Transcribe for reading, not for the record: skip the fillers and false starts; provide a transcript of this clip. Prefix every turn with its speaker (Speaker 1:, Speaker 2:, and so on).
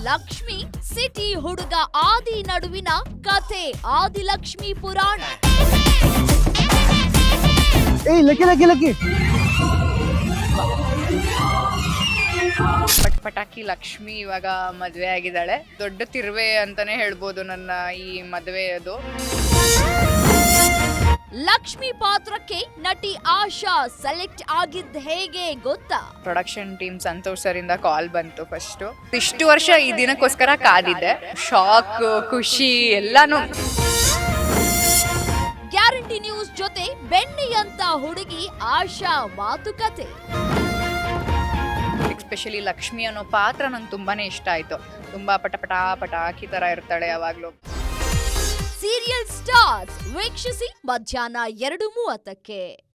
Speaker 1: Lakshmi city ಹುಡುಗ ಆದಿ ನಡುವಿನ ಕಥೆ ಆದಿಲಕ್ಷ್ಮಿ ಪುರಾಣ.
Speaker 2: ಪಟಾಕಿ ಲಕ್ಷ್ಮಿ ಇವಾಗ ಮದ್ವೆ ಆಗಿದ್ದಾಳೆ. ದೊಡ್ಡ ತಿರುವೆ ಅಂತಾನೆ ಹೇಳ್ಬೋದು ನನ್ನ ಈ ಮದ್ವೆಯದು.
Speaker 1: ಲಕ್ಷ್ಮಿ ಪಾತ್ರಕ್ಕೆ ನಟಿ ಆಶಾ ಸೆಲೆಕ್ಟ್ ಆಗಿದ್ದ ಹೇಗೆ ಗೊತ್ತಾ?
Speaker 2: ಪ್ರೊಡಕ್ಷನ್ ಟೀಮ್ ಸಂತೋಷ್ ಸರ್ ಇಂದ ಕಾಲ್ ಬಂತು. ಫಸ್ಟ್ ಇಷ್ಟು ವರ್ಷ ಈ ದಿನಕ್ಕೋಸ್ಕರ ಕಾದಿದ್ದೆ. ಶಾಕ್, ಖುಷಿ ಎಲ್ಲಾನು.
Speaker 1: ಗ್ಯಾರಂಟಿ ನ್ಯೂಸ್ ಜೊತೆ ಬೆಣ್ಣೆಯಂತ ಹುಡುಗಿ ಆಶಾ ಮಾತುಕತೆ.
Speaker 2: ಎಸ್ಪೆಷಲಿ ಲಕ್ಷ್ಮಿ ಅನ್ನೋ ಪಾತ್ರ ನಂಗೆ ತುಂಬಾನೇ ಇಷ್ಟ ಆಯ್ತು. ತುಂಬಾ ಪಟಾಕಿ ತರ ಇರ್ತಾಳೆ ಯಾವಾಗ್ಲೂ.
Speaker 1: ಸೀರಿಯಲ್ ಸ್ಟಾರ್ಸ್ ವೀಕ್ಷಿಸಿ ಮಧ್ಯಾಹ್ನ 2:30ಕ್ಕೆ.